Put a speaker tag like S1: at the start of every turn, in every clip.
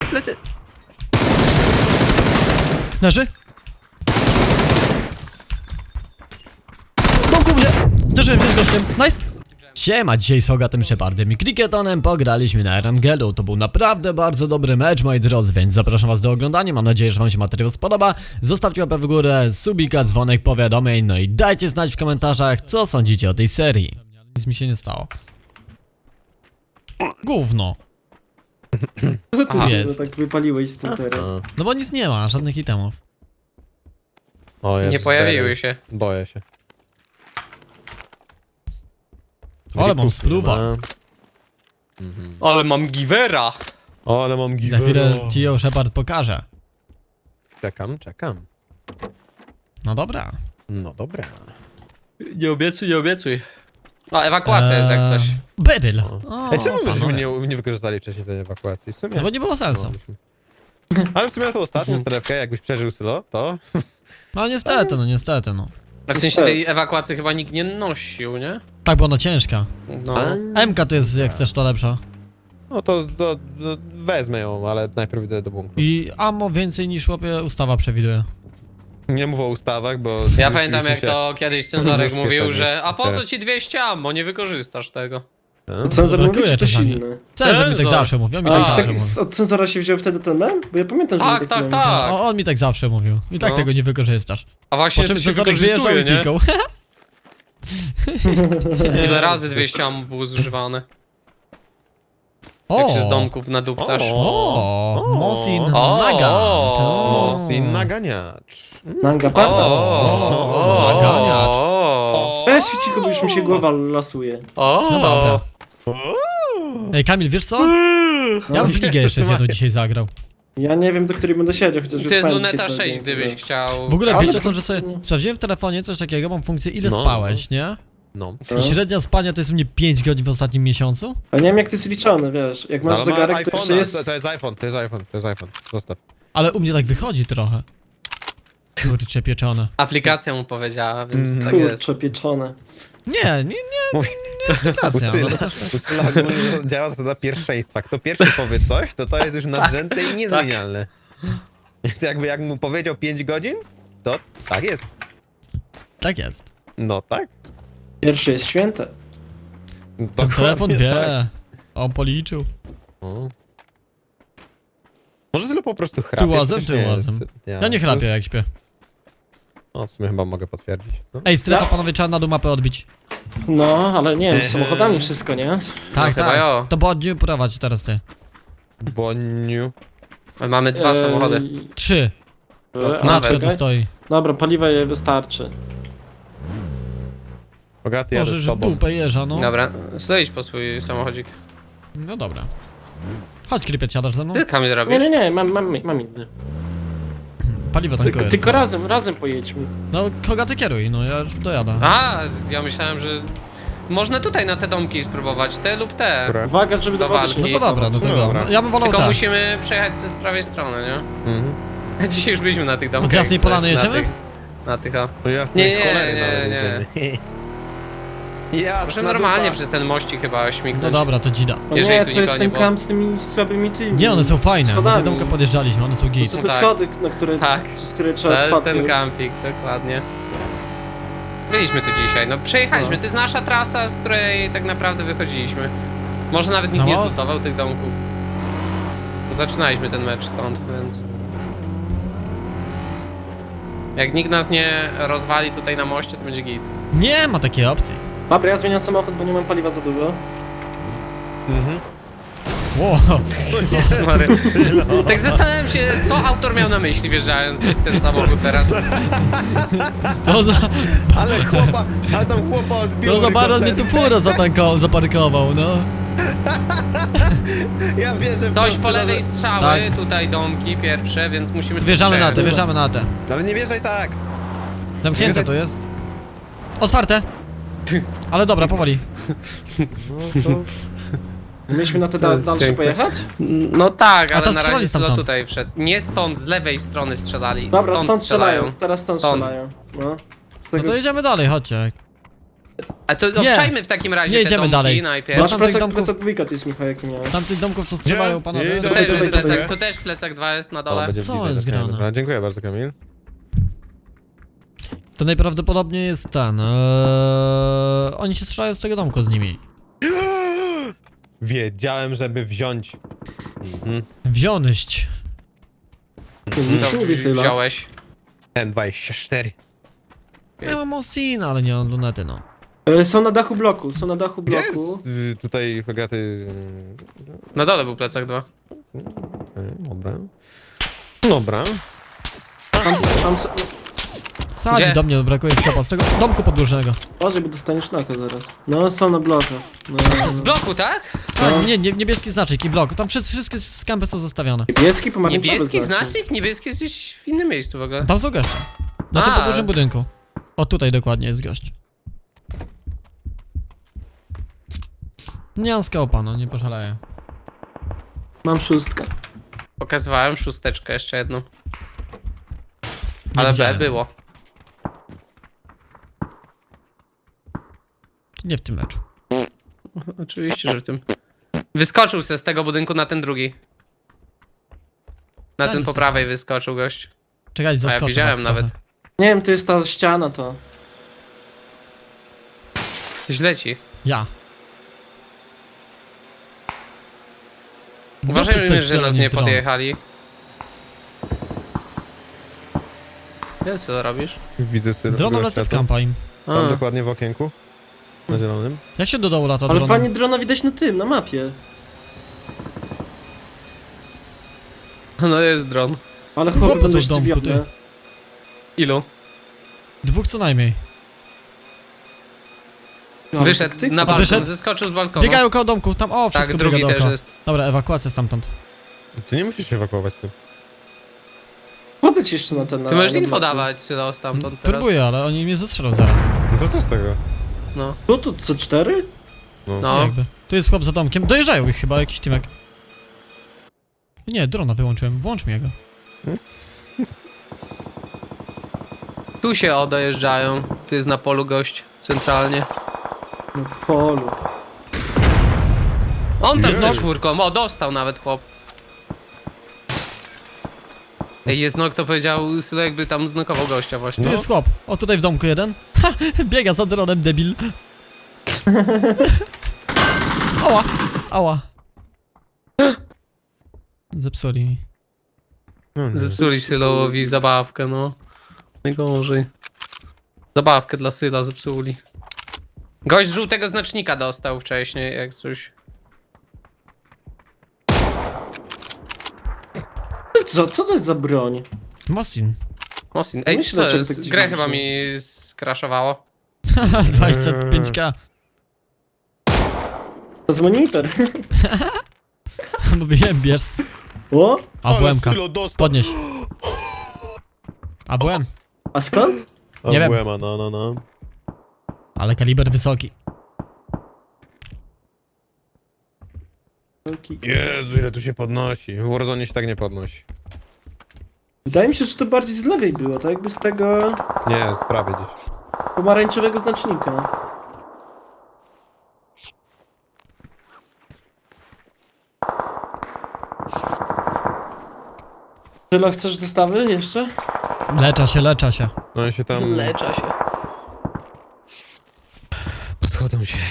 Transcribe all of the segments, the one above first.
S1: plecy.
S2: Leży? Domku mnie! Zderzyłem się z gościem, nice! Siema, dzisiaj z Hogatem Shepardem i Cricketonem pograliśmy na Erangelu. To był naprawdę bardzo dobry mecz, moi drodzy, więc zapraszam was do oglądania. Mam nadzieję, że wam się materiał spodoba. Zostawcie łapę w górę, subika, dzwonek, powiadomień, no i dajcie znać w komentarzach, co sądzicie o tej serii. Nic mi się nie stało. Gówno.
S3: Co ty
S2: jest.
S3: tak wypaliłeś z tym teraz?
S2: No bo nic nie ma, żadnych itemów.
S4: O, Jezus,
S1: Nie pojawiły się.
S4: Boję się.
S2: Ale mam spluwa.
S1: Ale mam givera.
S4: O, ale mam
S2: Za
S4: givera.
S2: chwilę ci ją Shepard pokaże.
S4: Czekam.
S2: No dobra.
S4: No dobra.
S1: Nie obiecuj, nie obiecuj. A, ewakuacja jest jak coś.
S2: Beryl.
S4: Ej, czemu myśmy
S2: panowie.
S4: nie wykorzystali wcześniej tej ewakuacji? W sumie.
S2: No bo nie było sensu.
S4: Ale w sumie na tą ostatnią strefkę, jakbyś przeżył Sylo, to...
S2: No niestety, no.
S1: W sensie tej ewakuacji chyba nikt nie nosił, nie?
S2: Tak, bo ona ciężka.
S1: No.
S2: MK to jest, jak chcesz, to lepsza.
S4: No to wezmę ją, ale najpierw idę do bunkru.
S2: I ammo więcej niż łapie ustawa przewiduje.
S4: Nie mów o ustawach, bo...
S1: Ja pamiętam jak to kiedyś cenzorek
S4: Nóż
S1: mówił,
S4: kieszeni.
S1: że a po co ci 200 ammo, nie wykorzystasz tego.
S3: Cenzor mówi,
S2: brakuje
S3: czy ktoś
S2: czasami.
S3: inny?
S2: Cenzor mi tak
S1: Cenzor.
S2: zawsze mówił, on mi
S3: A
S2: tak
S3: i z
S2: zawsze
S3: tak,
S2: mówił.
S3: od cenzora się wziął wtedy ten mem? Bo ja pamiętam, że
S1: Tak,
S3: był
S1: tak,
S3: taki
S1: tak.
S2: On mi tak zawsze mówił. I tak
S1: No.
S2: tego nie wykorzystasz.
S1: A właśnie
S2: Po czym
S1: to się
S2: cenzorek wyjeżdżał i
S1: wykorzystuje, nie?
S2: pikał.
S1: Ile razy 200 ammo było zużywane?
S2: O!
S1: Jak się z domków nadupcasz.
S2: O! Mosin
S1: O!
S2: Nagant.
S4: Mosin naganiacz.
S3: Nanga Papa.
S2: O, naganiacz.
S3: Weź się cicho, bo już mi się głowa lasuje.
S2: No dobra. Ej, Kamil, wiesz co? Ja bym w ligę jeszcze z jedną dzisiaj zagrał.
S3: Ja nie wiem, do której będę siedział, chociaż
S1: To jest
S3: spałem
S1: luneta
S3: dzisiaj cały
S1: 6,
S3: dzień,
S1: gdybyś
S3: wiesz.
S1: chciał.
S2: W ogóle
S3: Ale
S2: wiecie o
S3: to-
S2: tym, że sobie sprawdziłem w telefonie coś takiego, mam funkcję ile
S4: No.
S2: spałeś, nie?
S4: No.
S2: I średnia spania to jest u mnie 5 godzin w ostatnim miesiącu?
S3: Ale nie wiem, jak to jest liczone, wiesz. Jak masz
S4: Ale ma
S3: zegarek, to jeszcze
S4: iPhone'a,
S3: jest...
S4: to jest iPhone. Zostaw.
S2: Ale u mnie tak wychodzi trochę. Kurcze pieczone.
S1: Aplikacja mu powiedziała, więc tak jest.
S3: Kurczę, pieczone.
S2: Nie aplikacja, no to też...
S4: U Syla ogólnie działa zasada pierwszeństwa. Kto pierwszy powie coś, to jest już nadrzędne i niezmienialne. Więc jakby jak mu powiedział 5 godzin, to tak jest.
S2: Tak jest.
S4: No tak.
S3: Pierwsze jest święte.
S2: Ten
S4: Dokładnie
S2: telefon wie.
S4: tak.
S2: On policzył.
S4: O. Może Sylo po prostu chrapie.
S2: Tyłazem,
S4: to też nie
S2: tyłazem.
S4: jest-
S2: Ja nie chrapię jak śpię.
S4: No w sumie chyba mogę potwierdzić. No.
S2: Ej, strefa, panowie, trzeba na dół mapę odbić.
S3: No, ale nie wiem, z samochodami wszystko, nie?
S2: Tak,
S1: chyba
S2: tak.
S1: jo.
S2: To bodniu prowadź teraz ty.
S4: Boniu.
S1: My mamy dwa samochody.
S2: 3.
S3: A,
S2: Maczko
S3: czekaj.
S2: tu stoi.
S3: Dobra, paliwa jej wystarczy.
S4: Bogaty jadę
S2: Możesz
S4: z
S2: w
S4: tobą.
S2: dupę jeża, no.
S1: Dobra, stoisz po swój samochodzik.
S2: No dobra. Chodź, Krypiet, siadasz ze mną?
S1: Ty Kamil
S3: Nie,
S1: robisz?
S3: nie, mam inny.
S2: Paliwo tankuję.
S3: Tylko razem pojedźmy.
S2: No, kogo ty kieruj, no ja już dojadę.
S1: A, ja myślałem, że można tutaj na te domki spróbować, te lub te.
S4: Które?
S3: Uwaga, żeby do
S1: Do
S3: wody
S1: walki.
S3: się
S2: No
S3: nie
S2: to dobra, do tego.
S4: dobra.
S2: No, ja bym wolał
S1: Tylko
S2: tak.
S1: musimy przejechać z prawej strony, nie?
S4: Mhm.
S1: Dzisiaj już byliśmy na tych domkach.
S2: Od Jasnej
S1: coś,
S2: Polany
S1: na
S2: jedziemy?
S1: tych- Na tych, o.
S4: No jasne,
S1: Nie,
S4: cholery
S1: nie,
S4: nawet
S1: nie.
S4: Jasna
S1: Możemy normalnie
S4: dupa.
S1: przez ten mościk chyba śmignąć.
S2: No dobra, to dzida.
S3: O
S1: Jeżeli
S3: nie,
S1: tu
S3: to jest
S1: nikogo nie
S3: ten
S1: było.
S3: kamp z tymi słabymi tymi.
S2: Nie, one są fajne. Na te
S3: Schodami.
S2: domka podjeżdżaliśmy, one są
S3: To
S2: git.
S3: są
S1: No
S3: te
S1: tak.
S3: schody, na które,
S1: Tak.
S3: z które trzeba
S1: To jest
S3: spać.
S1: ten kampik, dokładnie. Byliśmy tu dzisiaj, no przejechaliśmy, to jest nasza trasa, z której tak naprawdę wychodziliśmy. Może nawet nikt
S2: No
S1: nie
S2: most.
S1: zlutował tych domków. Zaczynaliśmy ten mecz stąd, więc... Jak nikt nas nie rozwali tutaj na moście, to będzie git.
S2: Nie ma takiej opcji.
S3: Dobra, ja zmieniam samochód, bo nie mam paliwa za dużo.
S4: Mhm.
S2: Wow.
S1: Jezus Mary. Tak zastanawiam się, co autor miał na myśli, wjeżdżając w ten samochód teraz.
S2: Co za...
S4: Ale tam chłopa odbiło.
S2: Co za baron mnie
S4: helikopter.
S2: tu furę zaparkował, no.
S4: Ja wierzę w
S1: Dość
S4: to,
S1: po lewej
S4: że-
S1: strzały,
S2: Tak.
S1: tutaj domki pierwsze, więc musimy...
S2: Wjeżdżamy na te,
S1: przejechać.
S2: wjeżdżamy na te.
S4: Ale nie wierzaj tak.
S2: Zamknięte to jest. Otwarte. Ale dobra, powoli.
S4: No to...
S3: Mieliśmy na te
S1: To jest
S3: dalsze
S1: piękne.
S3: pojechać?
S1: No tak,
S2: A
S1: ale
S2: to
S1: na
S2: strzelali
S1: razie Sylo
S2: stamtąd.
S1: tutaj wszedł. Nie stąd, z lewej strony strzelali.
S3: Dobra, stąd strzelają. Teraz stąd
S1: Stąd.
S3: strzelają. No. Z
S2: No
S3: tego...
S2: to jedziemy dalej, chodźcie.
S1: A to
S2: Nie.
S1: obczajmy w takim razie
S2: Nie
S1: te
S2: jedziemy
S1: domki
S2: dalej.
S1: najpierw.
S2: Masz
S3: Masz
S2: tam tych
S3: plecak,
S2: domków?
S3: plecak dwójka, to jest Michał, jaki miałeś.
S2: Tam tych domków, co strzelają panowie.
S4: Nie,
S1: Tu
S4: Tutaj,
S1: też jest
S3: tutaj.
S1: plecak, tu też plecak 2 jest na
S4: O,
S1: dole.
S4: będzie
S2: Co
S4: bliżej
S2: jest
S4: do Kamila.
S2: grane?
S4: Dobra, dziękuję bardzo, Kamil.
S2: To najprawdopodobniej jest ten. Oni się strzelają z tego domku z nimi.
S4: Wiedziałem, żeby wziąć. Mhm.
S2: Wziąłeś.
S3: Nic nie wychyla.
S1: Wziąłeś.
S4: N24.
S2: Ja mam Osina, ale nie mam lunety, no.
S3: Są na dachu bloku, są na dachu
S4: Gdzie jest
S3: bloku.
S4: tutaj Hogaty?
S1: Na dole był plecak 2.
S4: Dobra. Dobra.
S3: Tam
S2: Sadzi
S1: Gdzie?
S2: do mnie, brakuje skapa z tego domku podłużnego.
S3: Uważaj, bo dostaniesz naka zaraz. No, są na blokach. No.
S1: Z bloku, tak?
S2: Tak, nie, niebieski znaczek i blok. Tam wszystkie skampy są zostawione.
S3: Niebieski, pomarańczowy
S1: Niebieski
S3: znaczy.
S1: znacznik? Niebieski jest gdzieś w innym miejscu w ogóle.
S2: Tam są goście. Na tym
S1: A.
S2: podłużnym budynku. O, tutaj dokładnie jest gość. Nie mam skałpa, no, nie poszaleję.
S3: Mam 6.
S1: Pokazywałem 6 jeszcze jedną.
S2: Nie
S1: Ale B
S2: widziałem.
S1: było.
S2: Nie w tym meczu.
S1: Oczywiście, że w tym. Wyskoczył se z tego budynku na ten drugi. Na
S2: Ja
S1: ten
S2: nie
S1: po prawej wyskoczył gość.
S2: Czekaj,
S1: A ja
S2: zaskoczę
S1: widziałem
S2: was
S1: nawet.
S2: trochę.
S3: Nie wiem, to jest ta ściana to.
S1: Coś leci.
S2: Ja.
S1: Uważajmy,
S2: sobie
S1: że nas
S2: strzelanie
S1: nie
S2: w dron.
S1: podjechali. Wiesz co robisz?
S4: Widzę sobie.
S2: Drona lecę w kampa im.
S1: A,
S4: Tam dokładnie w okienku. Na zielonym.
S2: Jak się do dołu lata
S3: Ale
S2: dronem?
S3: fajnie drona widać na tym, na mapie.
S1: no jest dron.
S3: Ale
S2: Chłopy
S3: chłopy
S2: są
S3: będą
S2: w domku,
S3: zdziwione.
S1: Ilu?
S2: Dwóch co najmniej.
S3: Ale
S1: Wyszedł
S3: taktyka.
S1: na balkon,
S2: Wyszedł?
S1: zeskoczył z balkonu.
S2: Biegają koło domku, tam o, wszystko
S1: Tak,
S2: biega
S1: drugi też
S2: dookoła.
S1: jest.
S2: Dobra, ewakuacja stamtąd.
S4: Ty nie musisz się ewakuować tym.
S3: Podejdź jeszcze na ten.
S1: Ty możesz
S3: na
S1: info
S3: bloku.
S1: dawać, Sylo, stamtąd teraz.
S2: Próbuję, ale oni mnie zestrzelą zaraz.
S4: No to co z tego?
S1: No.
S3: Tu C4?
S1: No.
S2: Jakby. Tu jest chłop za domkiem. Dojeżdżają ich chyba, jakiś tymek. Nie, drona wyłączyłem. Włącz mi go.
S1: Tu się dojeżdżają. Tu jest na polu gość. Centralnie.
S3: Na polu.
S1: On tam z tą
S4: Jezu.
S1: czwórką. O, dostał nawet chłop. Ej, jest nok, to powiedział Sylo, jakby tam znokował gościa właśnie.
S2: Tu
S4: No.
S2: jest chłop. O, tutaj w domku jeden. Ha, biega za dronem, debil. Ała, ała. Zepsuli mi.
S4: No, nie.
S1: Zepsuli Sylowi zabawkę, no. Najgorzej. Zabawkę dla Syla zepsuli. Gość żółtego znacznika dostał wcześniej, jak coś.
S3: Co to jest za broń?
S2: Mosin.
S1: Mosin. Ej,
S3: Myślę,
S1: co
S3: dlaczego
S1: jest?
S3: tak dziwnie
S1: Grę chyba
S3: brzmi.
S1: mi skraszowało.
S2: 25k.
S3: To jest monitor.
S2: Mówiłem, bierz.
S3: O?
S2: AWM-ka.
S4: Sylo dostał.
S2: Podnieś. AWM.
S3: A skąd?
S2: Nie wiem.
S4: AWM-a, no.
S2: Ale kaliber wysoki.
S4: Jezu, ile tu się podnosi. W Warzone się tak nie podnosi.
S3: Wydaje mi się, że to bardziej z lewej było, tak jakby z tego
S4: Nie, z prawej gdzieś.
S3: pomarańczowego znacznika. Tylo, chcesz zestawy jeszcze?
S2: Lecza się.
S4: Oni się tam
S1: Lecza się.
S4: podchodzą się.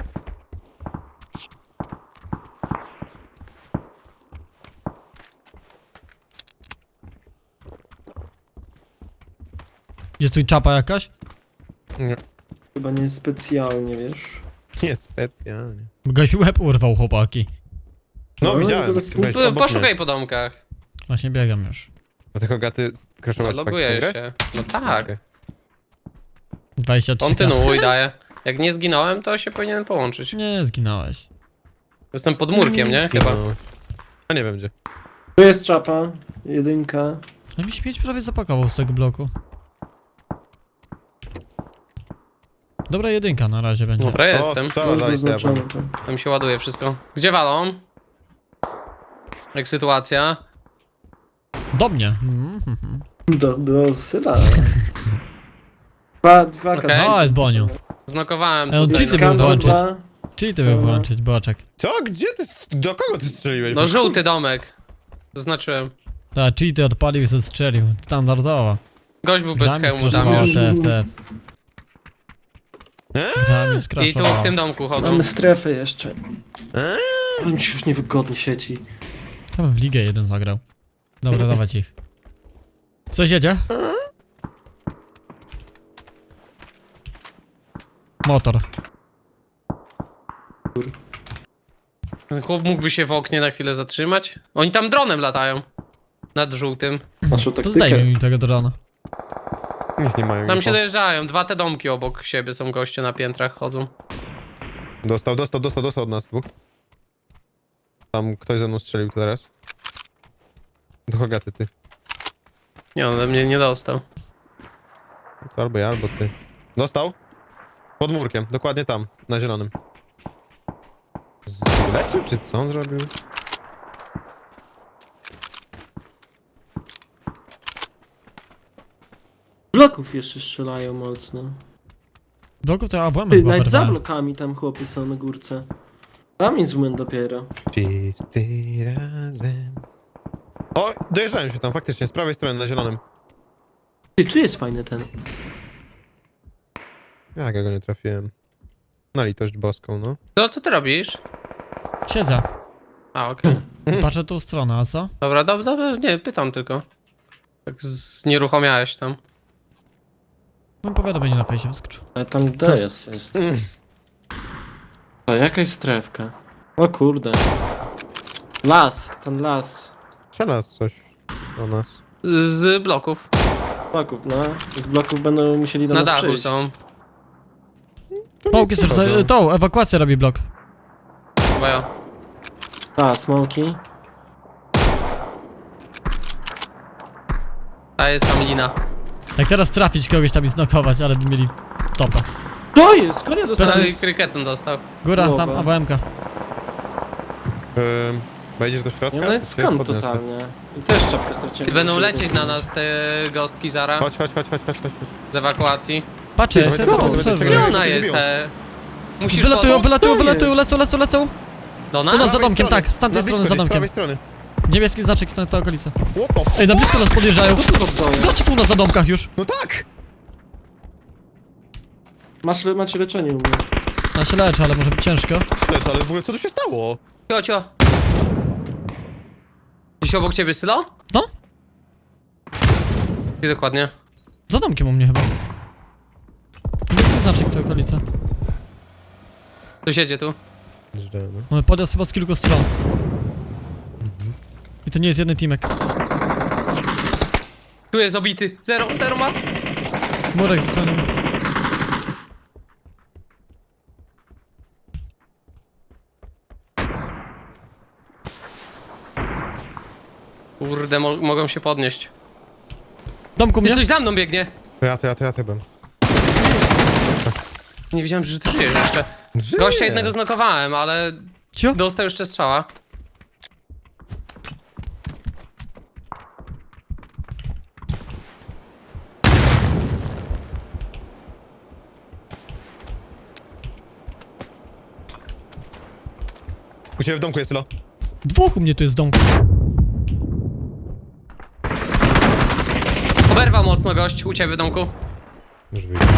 S2: Jest tu czapa jakaś?
S4: Nie,
S3: Chyba nie specjalnie, wiesz.
S4: nie specjalnie.
S2: Goś łeb urwał, chłopaki.
S4: No,
S3: No,
S4: widziałem.
S3: to tak-
S4: Weź obok mnie.
S1: Poszukaj po domkach.
S2: Właśnie biegam już.
S4: A ty Hogaty crashować
S1: Loguję się. No tak.
S4: Okej.
S2: 23k.
S1: Kontynuuj, daję. Jak nie zginąłem, to się powinien połączyć.
S2: Nie, zginąłeś.
S1: Jestem pod murkiem, nie? Chyba.
S4: No. A nie wiem gdzie.
S3: Tu jest czapa, jedynka.
S2: No mi śmieć prawie zapakował z tego bloku. Dobra jedynka na razie będzie.
S1: Dobra, jestem.
S4: O, strzała dali
S3: Zaznaczone
S4: sobie.
S3: tam.
S1: Tam się ładuje wszystko. Gdzie walą? Jak sytuacja?
S2: Do mnie.
S3: Do Syla. Dwa
S1: Okej.
S3: kasetki.
S2: O, jest Boniu.
S1: Znokowałem
S2: on
S1: tutaj.
S2: cheaty
S1: na-
S2: był włączyć.
S3: Dwa.
S2: Czyli ty by włączyć, boczek.
S4: Co? Gdzie ty? Do kogo ty strzeliłeś?
S1: No żółty domek. Zaznaczyłem.
S2: Ta, cheaty odpalił i strzelił. Standardowo.
S1: Gość był bez
S2: Grami
S1: hełmu tam
S2: skraszowała
S1: już.
S2: TFTF. Grami
S1: I tu w
S2: skraszowała.
S1: tym domku chodzą.
S3: Mamy strefę jeszcze. Ale mi się już niewygodnie sieci.
S2: Tam w ligę jeden zagrał. Dobra, dawać ich. Coś jedzie? Motor.
S1: Ten chłop mógłby się w oknie na chwilę zatrzymać. Oni tam dronem latają. Nad żółtym.
S3: Naszą
S2: To
S3: taktykę.
S2: zdejmij mi tego drona.
S4: Niech nie mają
S1: Tam
S4: info.
S1: się dojeżdżają. Dwa te domki obok siebie są goście na piętrach chodzą.
S4: Dostał od nas dwóch. Tam ktoś ze mną strzelił teraz. Do Hogaty ty.
S1: Nie, on ode mnie nie dostał.
S4: To albo ja, albo ty. Dostał? Pod murkiem, dokładnie tam, na zielonym. Zlecił, czy co on zrobił?
S3: Bloków jeszcze strzelają mocno.
S2: Bloków to AWM
S3: Ty,
S2: chyba
S3: nawet za
S2: porwałem.
S3: blokami tam chłopy są na górce. Tam jest zmęt dopiero.
S4: Wszyscy razem. O, dojeżdżają się tam faktycznie, z prawej strony na zielonym.
S3: Ty, tu jest fajny ten.
S4: Jak ja go nie trafiłem. Na litość boską, no.
S1: To co ty robisz?
S2: Siedzę.
S1: A, okej.
S2: Patrzę tą stronę, a co?
S1: Dobra, dobra, nie, pytam tylko. Tak znieruchomiałeś tam.
S2: Mam powiadomienie na fejsie wyskoczył.
S3: Ale tam D jest. A jakaś strefka. O kurde. Las, ten las.
S4: Strzela coś do nas.
S1: Z bloków.
S3: Bloków, no. Z bloków będą musieli do
S1: Na
S3: nas
S1: dachu
S3: przyjść.
S1: są.
S2: Połki serce, tą ewakuację robi blok.
S1: Chyba ja.
S3: A, smoki.
S1: A jest tam lina.
S2: Jak teraz trafić kogoś tam i znokować, ale by mieli topa.
S3: To jest! Skąd ja dostałem?
S1: Prawie kryketem dostał.
S2: Góra,
S3: Głowa.
S2: tam AWM-ka.
S4: Wejdziesz do środka?
S3: Nie wiem nawet
S4: Cię
S3: skąd
S4: podniosę.
S3: totalnie. I też czapkę straciłem.
S1: I będą lecieć na nas te gostki zara.
S4: Chodź.
S1: Z ewakuacji.
S2: Patrzcie,
S4: Czekaj,
S2: co to
S4: czekaj,
S2: co
S4: czekaj,
S2: to
S1: Gdzie
S4: czekaj.
S1: ona
S4: to
S1: jest?
S4: zbiło.
S1: Musisz
S2: Wylatują,
S1: podnieść
S2: wylatują,
S3: jest?
S2: lecą.
S1: do
S2: U
S1: nas?
S2: nas za
S4: prawej
S2: domkiem,
S4: strony.
S2: tak, z tamtej
S4: Na
S2: strony
S4: blisko
S2: za
S4: gdzieś, z
S2: domkiem.
S4: prawej strony.
S2: Niebieski znaczek na tę okolicę.
S4: What the f...
S2: Ej, na blisko nas podjeżdżają.
S3: Co to za broje?
S2: Goście są u nas za domkach już.
S4: No tak!
S3: Macie leczenie u mnie.
S2: Ja się leczę, ale może być ciężko.
S4: Lecz, ale w ogóle co tu się stało?
S1: Ciocio. Gdzieś obok ciebie Sylo?
S2: No,
S1: Gdzie dokładnie?
S2: za domkiem u mnie chyba. Niebieski znaczek tę okolicę.
S1: Ktoś jedzie tu.
S2: Mamy podjazd chyba z kilku stron. I to nie jest jeden teamek.
S1: Tu jest obity. Zero ma.
S2: Murek zasłonił.
S1: Kurde, mogą się podnieść.
S2: Domku mnie?
S1: Jest coś za mną biegnie.
S4: To ja byłem.
S1: Nie wiedziałem, że ty żyjesz jeszcze.
S4: Żyję.
S1: Gościa jednego znokowałem, ale
S2: Cio?
S1: dostał jeszcze strzała.
S4: U ciebie w domku jest Sylo.
S2: Dwóch u mnie tu jest w domku.
S1: Oberwał mocno gość u ciebie w domku.
S4: Już wyjdzie.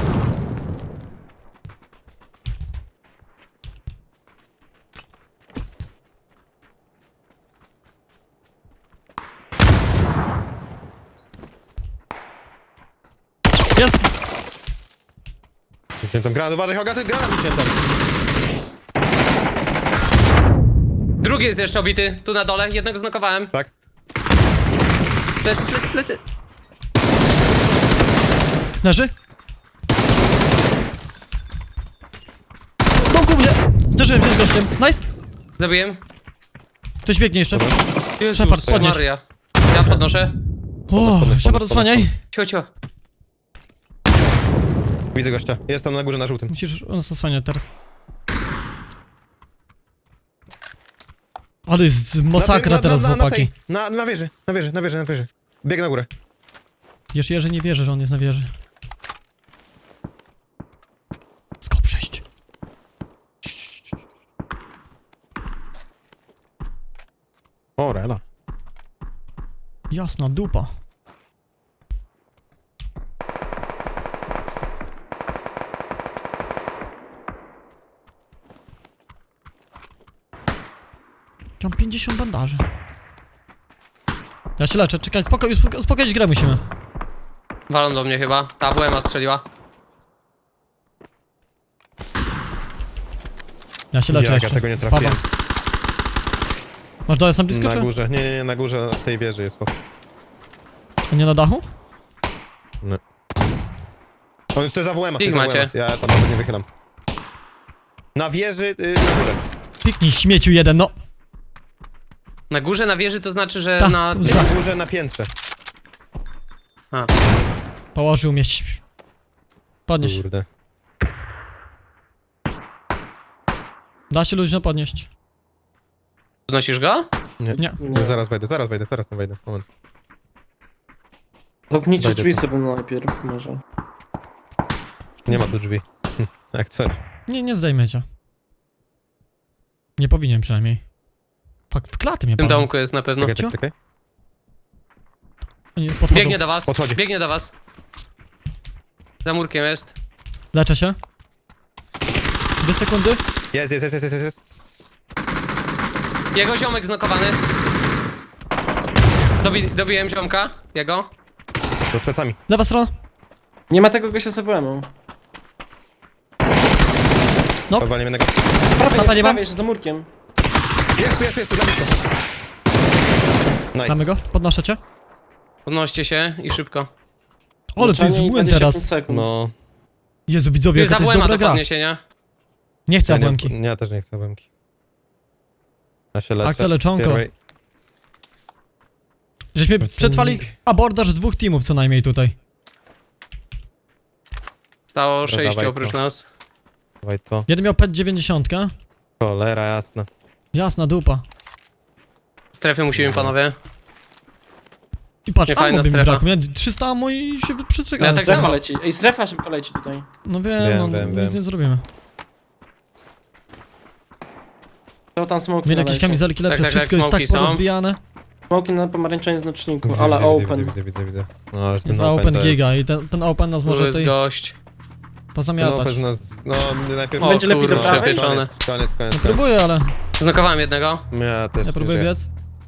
S2: Jest!
S4: Wyciętam granat, uważaj Hogaty, granat wyciętam.
S1: Drugi jest jeszcze obity. Tu na dole. Jednego znokowałem.
S4: Tak?
S1: Plecy.
S2: Leży? Domku mnie! Zderzyłem się z gościem. Nice!
S1: Zabiłem.
S2: Ktoś biegnie jeszcze.
S1: Jezus
S2: Shepard, podnieś.
S1: Maria. Ja podnoszę.
S2: O, Shepard, odsłaniaj.
S1: Cio.
S4: Widzę gościa. Jest tam na górze na żółtym.
S2: Musisz nas osłaniać teraz. Ale jest masakra teraz, chłopaki.
S4: Na wieży. Bieg na górę.
S2: Jerzy nie wierzy, że on jest na wieży.
S4: O, rela.
S2: Jasna dupa. Mam 50 bandaży. Ja się leczę, czekaj, uspokoić grę musimy.
S1: Walą do mnie chyba. Ta WMA strzeliła.
S2: Ja się leczę
S4: Jak ja
S2: jeszcze.
S4: tego nie
S2: Spadam.
S4: trafiłem.
S2: Masz dole sam blisko,
S4: Na
S2: czy?
S4: górze, nie, na górze tej wieży jest.
S2: A nie na dachu?
S4: On jest to za WM-a.
S1: Ich macie.
S4: Ja tam nawet nie wychylam. Na wieży, na górze.
S2: Piknij śmieciu jeden, no.
S1: Na górze, na wieży to znaczy, że
S2: Ta,
S1: na...
S2: tu
S4: Na górze, na piętrze.
S1: A.
S2: Położył mnie. Podnieś.
S4: Kurde.
S2: Da się luźno podnieść.
S1: Podnosisz go?
S2: Nie.
S3: Nie.
S4: Zaraz tam wejdę. Moment.
S3: Zamknijcie
S4: Wejdę
S3: drzwi
S4: tu.
S3: sobie najpierw, może.
S4: Nie ma tu drzwi. Jak coś.
S2: Nie zdejmę cię. Nie powinien przynajmniej. Fakt, w klaty mnie
S1: W tym
S2: palą.
S1: domku jest na pewno.
S4: Czekaj.
S2: Oni podchodzą.
S1: Biegnie do was.
S4: Podchodzi.
S1: Biegnie do was. Za murkiem jest.
S2: Leczę się. 2 sekundy.
S4: Jest.
S1: Jego ziomek znokowany. Dobiłem ziomka. Jego.
S4: Pod plecami.
S2: Lewa strona.
S3: Nie ma tego gościa z AWM-ą.
S2: No.
S4: Powalimy jednego.
S2: Tata nie mam.
S3: Prawie, jeszcze za murkiem.
S4: Jest, tu za blisko. Nice.
S2: Mamy go. Podnoszę cię.
S1: Podnoście się i szybko.
S2: Ale to jest
S3: Leczenie i
S2: błęd
S3: 25
S2: teraz.
S3: sekund.
S4: No.
S2: Jezu,
S1: Tu
S2: widzowie,
S1: jest
S2: jaka to jest
S1: AWM-a
S2: dobra
S1: do
S2: gra.
S1: podniesienia.
S2: Nie chcę
S4: Ja, nie,
S2: łemki.
S4: ja też nie chcę łemki. Ja się leczę.
S2: Akcja leczonko.
S4: Pierwej.
S2: Żeśmy przetrwali abordaż 2 teamów co najmniej tutaj.
S1: Stało 6
S4: dawaj
S1: oprócz
S4: to.
S1: nas.
S4: Dawaj to.
S2: Jeden miał PET 90.
S4: Cholera jasna.
S2: Jasna dupa.
S1: Strefy musimy, panowie.
S2: I patrz,
S1: Nie, fajna
S2: ammo by mi
S1: strefa.
S2: brakło. Miałem 300 ammo i się przystrzegałem.
S1: Ja tak
S3: Strefa
S1: samo.
S3: leci. Ej, strefa szybko leci tutaj.
S2: No wiem,
S4: Wiem.
S2: nic nie zrobimy.
S3: To tam smoki
S2: Mieli jakieś kamizelki lepsze,
S1: Tak,
S2: wszystko jest tak
S1: smoki są.
S2: porozbijane.
S3: Smoki na pomarańczowym znaczniku, ale open.
S4: Widzę. No, ale
S2: Jest
S4: ten
S2: na open
S4: to jest-
S2: giga i ten open nas
S1: Tu
S2: może
S1: jest
S2: tutaj
S1: gość.
S4: Ten
S2: pozamiatać.
S4: open nas... No, najpierw...
S1: O,
S3: Będzie lepiej do
S1: kurczę,
S3: prawej?
S1: pieczone.
S4: Koniec.
S2: No próbuję, ale
S1: Znokowałem jednego.
S4: Ja też
S2: ja próbuję
S4: nie
S2: biec.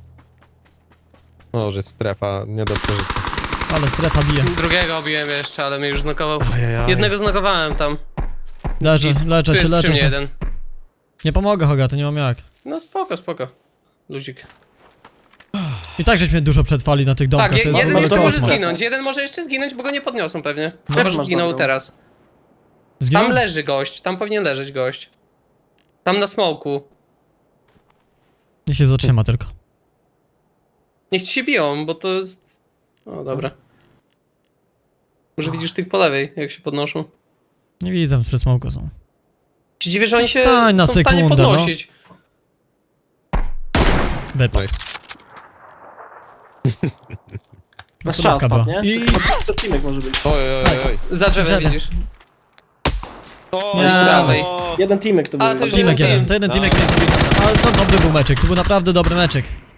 S4: Może strefa nie do przeżycia.
S2: Ale strefa bije.
S1: Drugiego obiłem jeszcze, ale mnie już znokował.
S4: Ajajaj.
S1: Jednego znokowałem tam.
S2: Leczę
S1: Tu jest
S2: się,
S1: przy
S2: leczę
S1: mnie
S2: się.
S1: jeden.
S2: Nie pomogę, Hogaty, nie mam jak.
S1: No spoko. Luzik.
S2: I tak żeśmy dużo przetrwali na tych domkach,
S1: Tak,
S2: to jest
S1: jeden
S2: ale
S1: jeszcze może
S2: kosmos.
S1: zginąć. Jeden może jeszcze zginąć, bo go nie podniosą pewnie.
S2: No.
S1: Chyba, że
S3: masz
S1: zginął
S3: dobrą.
S1: teraz.
S2: Zginął?
S1: Tam leży gość, tam powinien leżeć gość. Tam na smoku.
S2: Nie się zatrzyma tylko.
S1: Niech ci się biją, bo to jest... O, dobra. Może widzisz tych po lewej, jak się podnoszą.
S2: Nie widzę, przy smoku są.
S1: Ci dziwię, że oni się
S2: Wstań na
S1: są w stanie
S2: sekundę, no.
S1: podnosić.
S2: Wypadł.
S3: Na
S2: to
S3: strzał
S2: dawka była.
S3: spadł, nie?
S2: I-
S3: To teamek może być.
S4: Oj.
S1: Za drzewem
S2: Drzewie.
S1: widzisz.
S4: O,
S2: Nie.
S1: Z prawej.
S3: Jeden teamek to był.
S1: A, to już
S2: Teamek
S1: jeden
S2: jeden,
S1: team.
S2: to jeden teamek nie zabili. Ale to dobry był meczek, to był naprawdę dobry meczek.